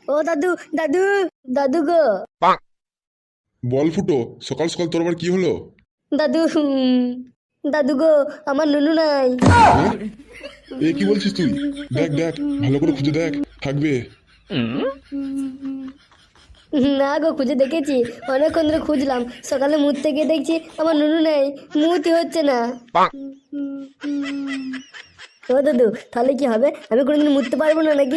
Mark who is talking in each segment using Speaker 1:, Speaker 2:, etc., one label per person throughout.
Speaker 1: ও দাদু, দাদু, দাদু গো।
Speaker 2: বল ফুটো, সকাল সকাল তোর আবার কি হলো?
Speaker 1: দাদু, দাদু গো, আমার নুনু নাই।
Speaker 2: হ্যাঁ? এ কি বলছিস তুই? দেখ দেখ, ভালো করে খুঁজে দেখ, থাকবে।
Speaker 1: না গো, খুঁজে দেখেছি, অনেকক্ষণ ধরে খুঁজলাম। সকালে মুততে গিয়ে দেখছি আমার নুনু নেই, মুতি হচ্ছে না। ও দাদু, তাহলে কি হবে? আমি কোনোদিন মুততে পারবো না নাকি?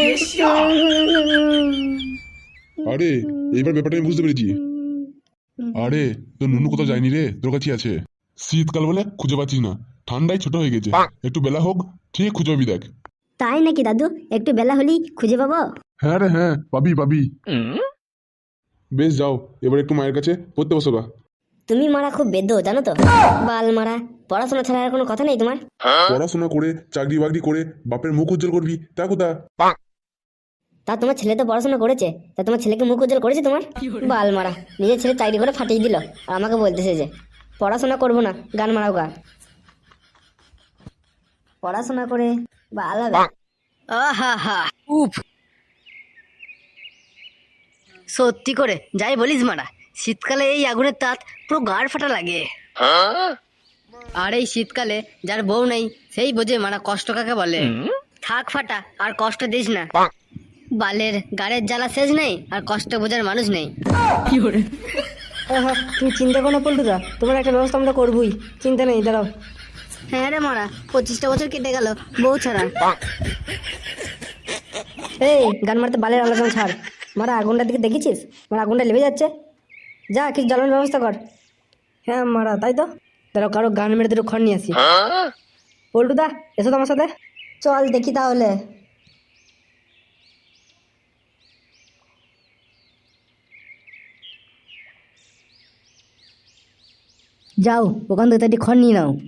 Speaker 2: আরে, এইবার ব্যাপারটা আমি বুঝতে পেরেছি। আরে, তোর নুনু কোথাও যায়নি রে, তোর কাছে আছে। শীতকাল বলে খুঁজে পাচ্ছিস না, ঠান্ডায় ছোট হয়ে গেছে। একটু বেলা হোক, ঠিক খুঁজে পাবি দেখ।
Speaker 1: তাই নাকি দাদু? একটু বেলা হলেই খুঁজে পাবো?
Speaker 2: হ্যাঁ রে হ্যাঁ, পাবি পাবি। বেশ যাও, এবার একটু মায়ের কাছে পড়তে বসো গা।
Speaker 1: তুমি মারা খুব বেদ্য, জানো তো? বাল মারা, পড়াশোনা ছাড়া আর কোনো কথা নেই তোমার?
Speaker 2: পড়াশোনা করে চাকরি বাকরি করে বাপের মুখ উজ্জ্বল করবি, তা কোথা?
Speaker 1: তা তোমার ছেলে তো পড়াশোনা করেছে, তা তোমার ছেলেকে মুখ উজ্জ্বল করেছে তোমার? বাল মারা, নিজের ছেলে চাকরি করে ফাটিয়ে দিল, আর আমাকে বলতেছে যে পড়াশোনা করবো না, গান মারাও গা। পড়াশোনা করে বাল হবে।
Speaker 3: আহা হা উফ, সত্যি করে যাই বলিস মারা, শীতকালে এই আগুনের তাত পুরো গাড় ফাটা লাগে। আর এই শীতকালে যার বউ নেই সেই বোঝে মারা কষ্ট কাকে বলে। থাক ফাটা, আর কষ্ট দিস না। বালের গাড়ের জ্বালা শেষ নেই, আর কষ্ট বোঝার মানুষ নেই।
Speaker 1: তুমি চিন্তা করো না পল্টুদা, তোমার একটা ব্যবস্থা আমরা করবোই, চিন্তা নেই, দাঁড়াও।
Speaker 3: হ্যাঁ রে মারা, 25টা বছর কেটে গেল বউ ছাড়া।
Speaker 1: এই গান মারতে বালের আলোচনা ছাড়। মারা, আগুনটার দিকে দেখেছিস? মারা, আগুনটা লেবে যাচ্ছে। যা কিছু জ্বালানোর ব্যবস্থা কর। হ্যাঁ মারা, তাই তো। দাঁড়াও, কারো গান মেরে দুটো খড় নিয়ে আসি। পল্টুদা, এসো তো আমার সাথে। চল দেখি তাহলে। যাও, ওখান থেকে একটি খড় নিয়ে নাও।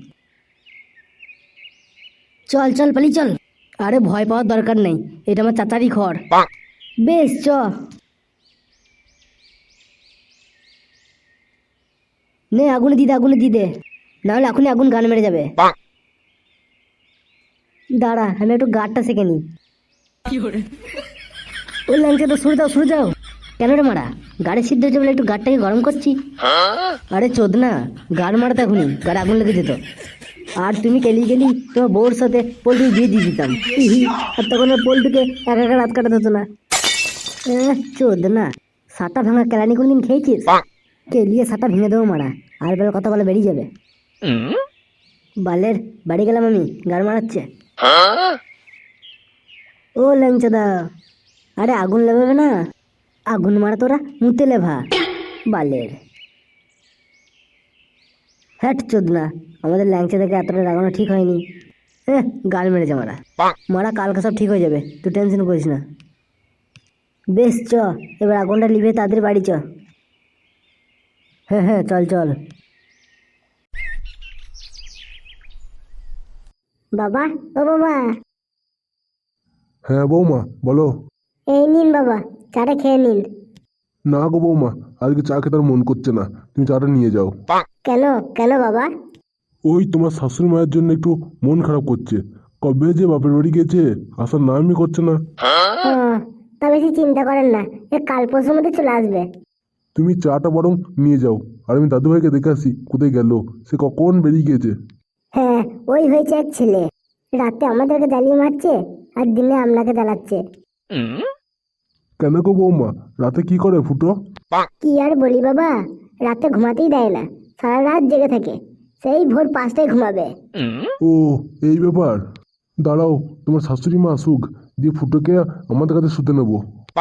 Speaker 1: চল চল, পালি চল। আরে ভয় পাওয়ার দরকার নেই, এটা আমার চাচারই খড়। বেশ চ। নে, আগুনে দি দে, আগুনে দি দে, নাহলে এখনই আগুন গান মেরে যাবে। দাঁড়া, আমি একটু গাড়টা সেঁকে নিই। ও ল্যাংচা, তো সরে যাও, সরে যাও। কেন রে মারা, গাড়ি সিদ্ধ হচ্ছে বলে একটু গাড়টাকে গরম করছি। আরে চোদ না, গাড় মারাতে এখনই গাড়ি আগুন লেগে যেত। আর তুমি গেলি গেলি তোমার বউর সাথে পোল্ট্রি বিয়ে দিয়ে দিতাম। আর তখন আর পোল্ট্রিকে একা একা রাত কাটাতে হতো না। চোদ না, সাটা ভাঙা কেলানি কোনদিন খেয়েছিস? কেলিয়ে সাটা ভেঙে দেবো মারা, আর বেলা কথা বলে বেরিয়ে যাবে। বালের বাড়ি গেলাম আমি, গাড় মারাচ্ছে। ও ল্যাংচাদা, আরে আগুন লেভাবে না, আগুন মারা তোরা মুতে লেভা। বালের হ্যাট চোদ না, আমাদের ল্যাংচা থেকে এতটা রাগানো ঠিক হয়নি। গাল মেরেছে মারা। মারা, কালকে সব ঠিক হয়ে যাবে, তুই টেনশন করিস না। বেশ চ, এবার আগুনটা লিভে তাদের বাড়ি চ। হ্যাঁ হ্যাঁ, চল চল। বাবা, ও বাবা।
Speaker 2: হ্যাঁ বৌমা, বলো।
Speaker 1: এই নিন বাবা, চাটা খেয়ে নিন।
Speaker 2: না গো বৌমা, আজকে চা খেতে আর মন করছে না, তুমি চাটা নিয়ে যাও।
Speaker 1: কেন কেন বাবা?
Speaker 2: ওই তোমার শাশুড়ি মায়ের জন্য একটু মন খারাপ করছে, কবে যে বাপের বাড়ি গেছে, আসার নামই করছে না।
Speaker 1: তা বেশি চিন্তা করেন না, কাল পরশুর মধ্যে চলে আসবে।
Speaker 2: তুমি চাটা বরং নিয়ে যাও, আর আমি দাদু ভাইকে দেখে আসি কোথায় গেল, সে কখন বেরিয়ে গিয়েছে।
Speaker 1: হ্যাঁ, ওই হয়েছে এক ছেলে, রাতে আমাদেরকে জ্বালিয়ে মারছে, আর দিনে আপনাকে জ্বালাচ্ছে।
Speaker 2: কেন গো বৌমা, রাতে কি করে ফুটো?
Speaker 1: কি আর বলি বাবা, রাতে ঘুমাতেই দেয় না, সারা রাত জেগে থাকে, সেই ভোর 5টায় ঘুমাবে।
Speaker 2: ও, এই ব্যাপার। দাঁড়াও, তোমার শাশুড়ি মা আসুক, দিয়ে ফুটোকে আমাদের কাছে শুতে নেবো।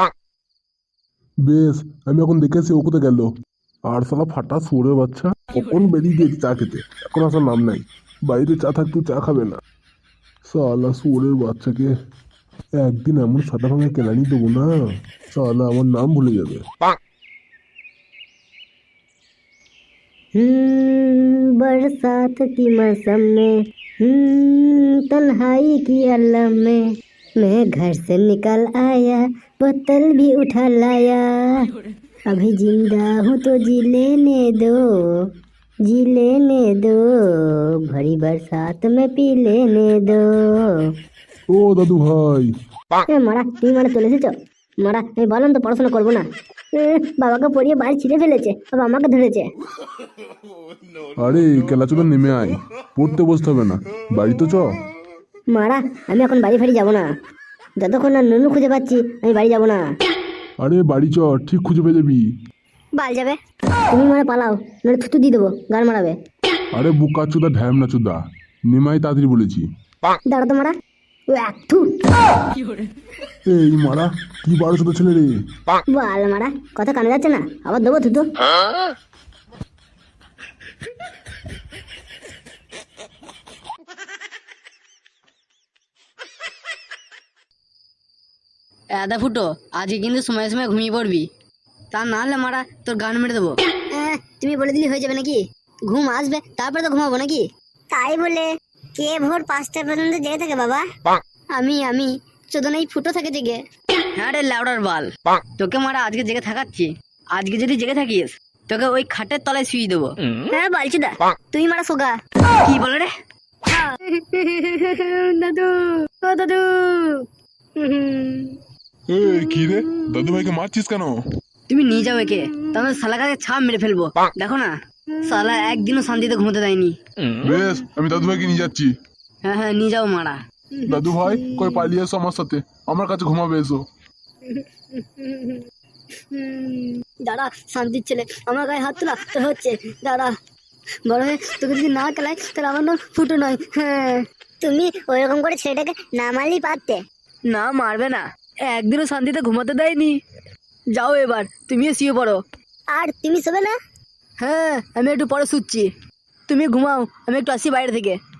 Speaker 2: বেশ, আমি এখন দেখে আসি ও কোথায় গেল। আর শালা ফাটা শুয়োরের বাচ্চা কখন বেরিয়ে গিয়েছে চা খেতে, এখন আসার নাম নাই। বাড়িতে চা থাকতেও চা খাবে না। শালা শুয়োরের বাচ্চাকে একদিন এমন সাদা ভাঙা কেলানি দেবো না, শালা আমার নাম ভুলে যাবে।
Speaker 1: बरसात की मौसम में, तन्हाई की अलम में, मैं घर से निकल आया, बोतल भी उठा लाया, अभी जिंदा हूँ तो जी लेने दो, जी लेने दो, भरी बरसात में पी लेने दो।
Speaker 2: ও দাদু ভাই।
Speaker 1: মারা, তুমি মানে চলে এসেছো? মারা আমি বললাম তো পড়াশোনা করবো না। বাবাকে পড়িয়ে বাড়ি ছিঁড়ে ফেলেছে, আবার আমাকে ধরেছে।
Speaker 2: আরে কেলাচোদা নেমে আয়, পড়তে বসতে হবে না, বাড়ি তো চ।
Speaker 1: মারা আমি এখন বাড়ি ফাড়ি যাবো না, যতক্ষণ না নুনু খুঁজে পাচ্ছি আমি বাড়ি যাবো না।
Speaker 2: আরে বাড়ি চ, ঠিক খুঁজে পেয়ে যাবি।
Speaker 3: বাল যাবে।
Speaker 1: তুমি মারা পালাও, নইলে থুতু দিয়ে দেবো, গান মারাবে।
Speaker 2: আরে বুকা চোদা ঢ্যাম না চোদা, নেমাই তাড়াতাড়ি বলেছি।
Speaker 1: দাঁড়া তো মারা, ও এক থু।
Speaker 2: এই মারা কি 12 ছেলে রে।
Speaker 1: বাল মারা কথা কানে যাচ্ছে না, আবার দেবো থুতু।
Speaker 3: আদা ফুটো, আজকে কিন্তু সময় সময় ঘুমিয়ে পড়বি, তা না হলে মারা তোর গান মেরে দেবো।
Speaker 1: তুমি বলে দিলে হয়ে যাবে নাকি? ঘুম আসবে তারপরে তো ঘুমাবো নাকি? তাই বলে কে ভোর 5টা পর্যন্ত জেগে থাকে বাবা?
Speaker 3: আমি চোদন এই ফুটো থাকে জেগে। হ্যাঁ রে লাউডার বাল, তোকে মারা আজকে জেগে থাকাচ্ছি। আজকে যদি জেগে থাকিস তোকে ওই খাটের তলায় শুয়ে দেবো।
Speaker 1: হ্যাঁ বলছি দা, তুই মারা সোগা।
Speaker 3: কি বলে রে?
Speaker 1: দাদু, ও দাদু।
Speaker 2: এই কি রে, দাদু ভাইকে মারছিস কেন?
Speaker 3: তুমি নিয়ে যাও একে, তাহলে শালাকে ছাপ মেরে ফেলবো। দেখো না শালা একদিনও শান্তিতে ঘুমোতে দেয়নি।
Speaker 2: বেশ, আমি দাদু ভাইকে নিয়ে যাচ্ছি।
Speaker 3: হ্যাঁ হ্যাঁ নিয়ে যাও মারা।
Speaker 2: দাদু ভাই কই পালিয়ে এসো আমার সাথে, আমার কাছে ঘুমাবে এসো।
Speaker 1: দাঁড়া শান্তির ছেলে, আমার গায়ে হাত তোলা তো হচ্ছে। দাঁড়া, বড় হয়ে তোকে যদি না খেলায় তাহলে আমার নাম ফুটো নয়। হ্যাঁ, তুমি ওইরকম করে ছেলেটাকে না মারলেই পারতে।
Speaker 3: না মারবে না, একদিনও শান্তিতে ঘুমাতে দেয়নি। যাও এবার তুমিও শুয়ে পড়ো।
Speaker 1: আর তুমি শোবে না?
Speaker 3: হ্যাঁ আমি একটু পরে শুচ্ছি, তুমি ঘুমাও, আমি একটু আসি বাইরে থেকে।